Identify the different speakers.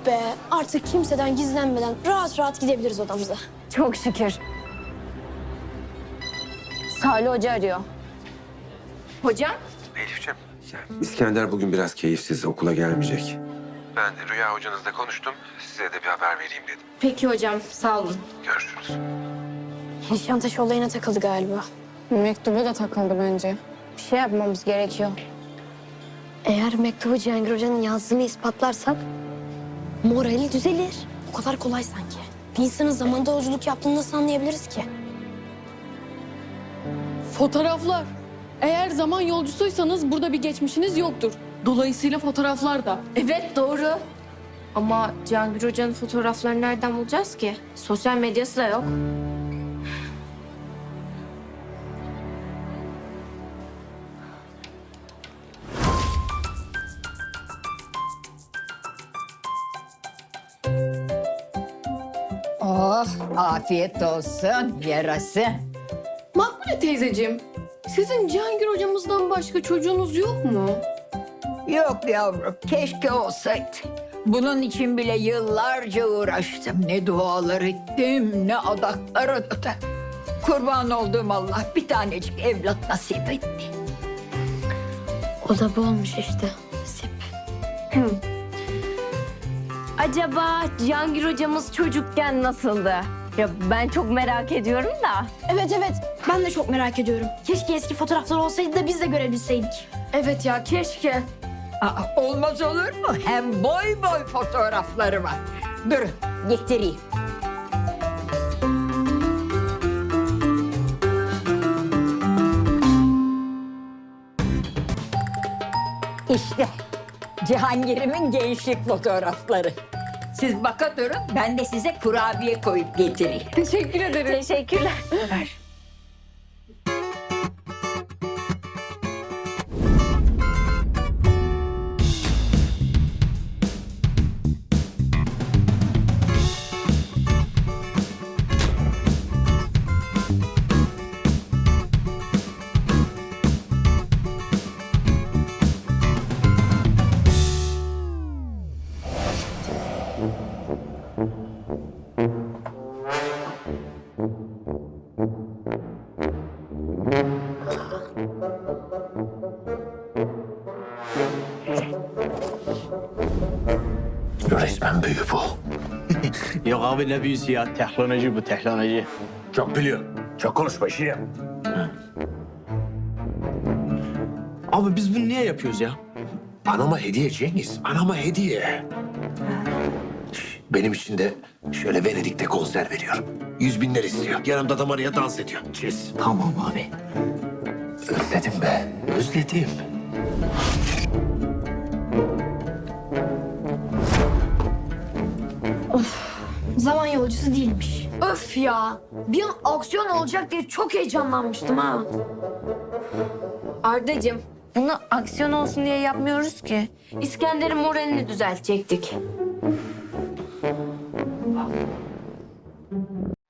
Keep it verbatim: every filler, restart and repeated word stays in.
Speaker 1: be, artık kimseden gizlenmeden rahat rahat gidebiliriz odamıza.
Speaker 2: Çok şükür. Salih Hoca arıyor. Hocam?
Speaker 3: Elif'ciğim. İskender bugün biraz keyifsiz, okula gelmeyecek. Ben de Rüya hocanızla konuştum. Size de bir haber vereyim dedim.
Speaker 2: Peki hocam, sağ olun.
Speaker 3: Görüşürüz.
Speaker 1: Nişantaşı olayına takıldı galiba.
Speaker 2: Mektuba da takıldı bence. Bir şey yapmamız gerekiyor.
Speaker 1: Eğer mektubu Cihangir Hoca'nın yazdığını ispatlarsak morali düzelir. O kadar kolay sanki. Bir insanın zamanda yolculuk yaptığını nasıl anlayabiliriz ki?
Speaker 4: Fotoğraflar. Eğer zaman yolcusuysanız burada bir geçmişiniz yoktur. Dolayısıyla fotoğraflar da.
Speaker 2: Evet, doğru. Ama Cihangir Hoca'nın fotoğraflarını nereden bulacağız ki? Sosyal medyası da yok.
Speaker 5: Oh, afiyet olsun yarası.
Speaker 4: Makbule teyzeciğim, sizin Cihangir hocamızdan başka çocuğunuz yok mu?
Speaker 5: Yok yavrum, keşke olsaydı. Bunun için bile yıllarca uğraştım. Ne dualar ettim, ne adaklar adadım. Kurban olduğum Allah bir tanecik evlat nasip etti.
Speaker 1: O da bu olmuş işte. Nasip.
Speaker 2: Acaba Cihangir hocamız çocukken nasıldı? Ya ben çok merak ediyorum da.
Speaker 1: Evet evet, ben de çok merak ediyorum. Keşke eski fotoğraflar olsaydı da biz de görebilseydik.
Speaker 2: Evet ya, keşke.
Speaker 5: Aa, olmaz olur mu? Hem boy boy fotoğrafları var. Durun, getireyim. İşte Cihangir'imin gençlik fotoğrafları. Siz baka durun, ben de size kurabiye koyup getireyim.
Speaker 4: Teşekkür ederim.
Speaker 2: Teşekkürler.
Speaker 5: Ver.
Speaker 3: Resmen büyü bu.
Speaker 6: Yok abi ne büyüsü ya. Teknoloji bu teknoloji.
Speaker 7: Çok biliyor. Çok konuşma Şirin.
Speaker 6: Abi biz bunu niye yapıyoruz ya?
Speaker 7: Anama hediye Cengiz. Anama hediye. Benim için de şöyle Venedik'te konser veriyorum. Yüz binler istiyor. Yanımda da Maria dans ediyor. Çiz.
Speaker 6: Tamam abi.
Speaker 7: Özledim be. Özledim.
Speaker 1: Zaman yolcusu değilmiş. Öf ya, bir an aksiyon olacak diye çok heyecanlanmıştım ha.
Speaker 2: Ardacığım, bunu aksiyon olsun diye yapmıyoruz ki. İskender'in moralini düzeltecektik.